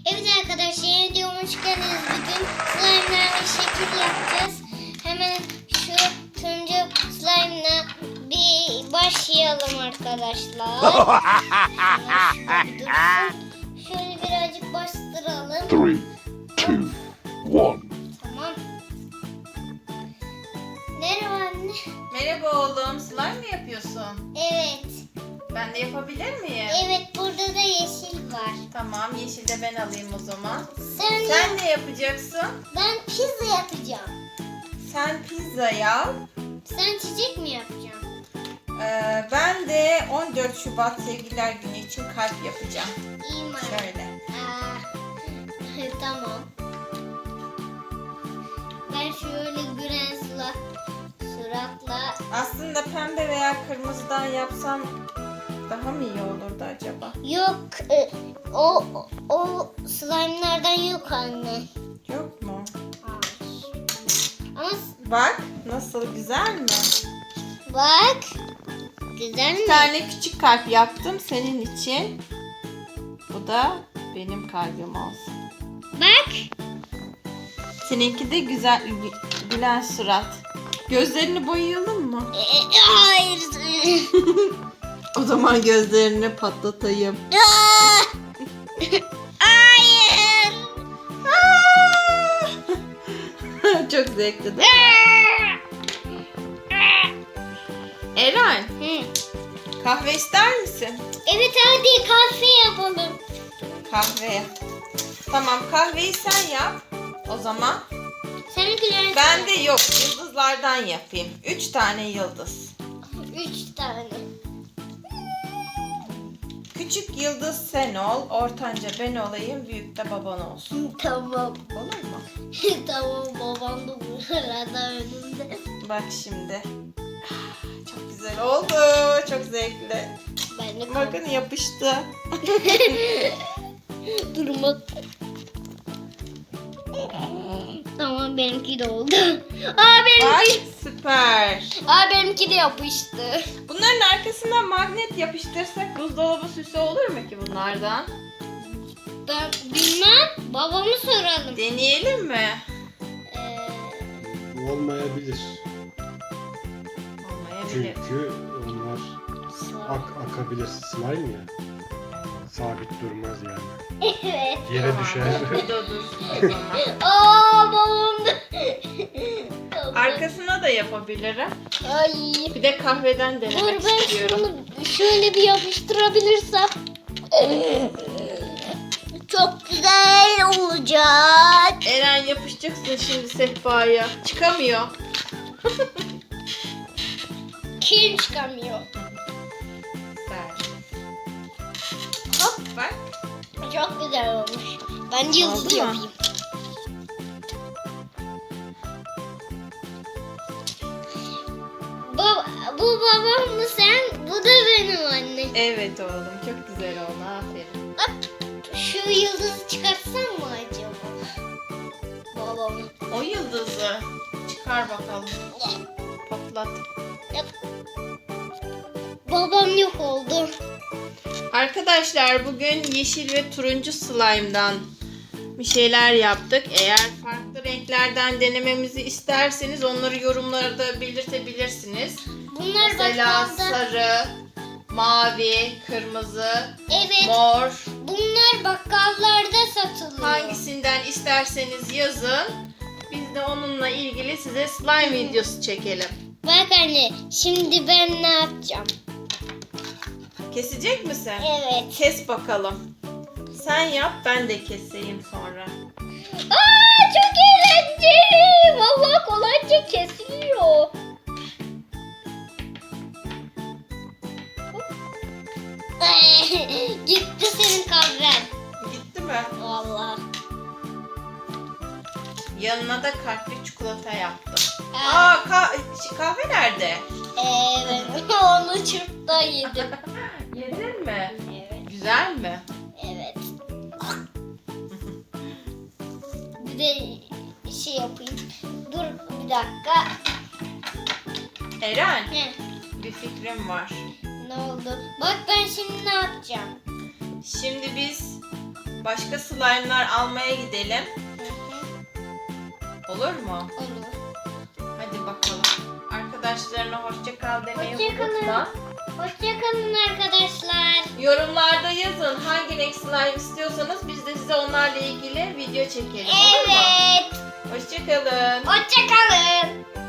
Evet arkadaşlar, yeni videoma hoş geldiniz. Bugün slime'larla şekil yapacağız. Hemen şu turuncu slime'la bir başlayalım arkadaşlar. Şöyle birazcık bastıralım. 3, 2, 1. Tamam. Merhaba anne. Merhaba oğlum, slime mi yapıyorsun? Evet. Ben de yapabilir miyim? Evet, burada da yeşil var. Tamam, yeşil de ben alayım o zaman. Sen Sen ne yapacaksın? Ben pizza yapacağım. Sen pizza yap. Sen çiçek mi yapacaksın? Ben de 14 Şubat Sevgililer Günü için kalp yapacağım. İyi mi? Şöyle. Tamam. Ben şöyle gülen suratla. Aslında pembe veya kırmızıdan yapsam daha mı iyi olurdu acaba? Yok, o slime'lardan yok anne. Yok mu? Ama Bak, nasıl güzel mi? bak, güzel mi? Bir tane küçük kalp yaptım senin için. Bu da benim kalbim olsun. Bak. Seninki de güzel gülen surat. Gözlerini boyayalım mı? Hayır. O zaman gözlerini patlatayım. Hayır. Çok zevkli değil mi? Eren, Hı. kahve ister misin? Evet, hadi kahve yapalım. Kahve. Tamam, kahveyi sen yap. O zaman Sen gülen. ben de yok, yıldızlardan yapayım. 3 tane yıldız. 3 tane. Küçük yıldız sen ol, ortanca ben olayım, büyük de baban olsun. Tamam. Olur mu? Tamam, babam da burada önümde. Bak şimdi. Çok güzel oldu. Çok zevkli. Ben de Bakın yapıştı. durmak. Tamam, benimki de oldu. Benimki. Ay süper. Benimki de yapıştı. Bunların arkasına magnet yapıştırsak buzdolabı süsü olur mu ki bunlardan? Ben bilmem. Babamı soralım. Deneyelim mi? Olmayabilir. Olmayabilir. Çünkü onlar akabilir. Slime ya. Sabit durmaz yani. Evet. Yere düşer. Bu da dursun o zaman. Babam da. Arkasına da yapabilirim. Ay. Bir de kahveden Dur, denemek ben istiyorum. şunu şöyle bir yapıştırabilirsem. Çok güzel olacak. Eren yapışacaksın şimdi sehpaya. Çıkamıyor. Kim çıkamıyor? Güzel. Hop, Bak. çok güzel olmuş. Ben de yıldız Oldu mu? yapayım. Bu babam mı sen? Bu da benim annem. Evet oğlum, çok güzel oldu. Aferin. Şu yıldızı çıkartsam mı acaba? Babamın. O yıldızı çıkar bakalım. Patlat. Babam yok oldu. Arkadaşlar bugün yeşil ve turuncu slime'dan bir şeyler yaptık. Eğer farklı renklerden denememizi isterseniz onları yorumlarda belirtebilirsiniz. Bunlar Mesela bakkalda. sarı, mavi, kırmızı, Evet. mor. Bunlar bakkallarda satılıyor. Hangisinden isterseniz yazın. Biz de onunla ilgili size slime videosu çekelim. Bak anne, şimdi ben ne yapacağım? Kesecek misin? Evet. Kes bakalım. Sen yap, ben de keseyim sonra. Çok eğlenceli. Vallahi kolayca kesiliyor. Gitti senin kahven. Gitti mi? Vallahi. Yanına da kalpli çikolata yaptım. Aa. Kahve nerede? Evet. Onu çırpta yedim. Yedin mi? Evet. Güzel mi? Evet. Bir de şey yapayım. Dur bir dakika. Eren, Heh, bir fikrim var. ne oldu? Bak ben şimdi ne yapacağım? Şimdi biz başka slime'lar almaya gidelim. Olur mu? Olur. Hadi bakalım. Arkadaşlarına hoşça kal demeyi Hoşça kalın. unutma. Hoşçakalın arkadaşlar. Yorumlarda yazın hangi renk slime istiyorsanız biz de size onlarla ilgili video çekelim. Olur mu? Evet. Hoşça kalın. Hoşçakalın.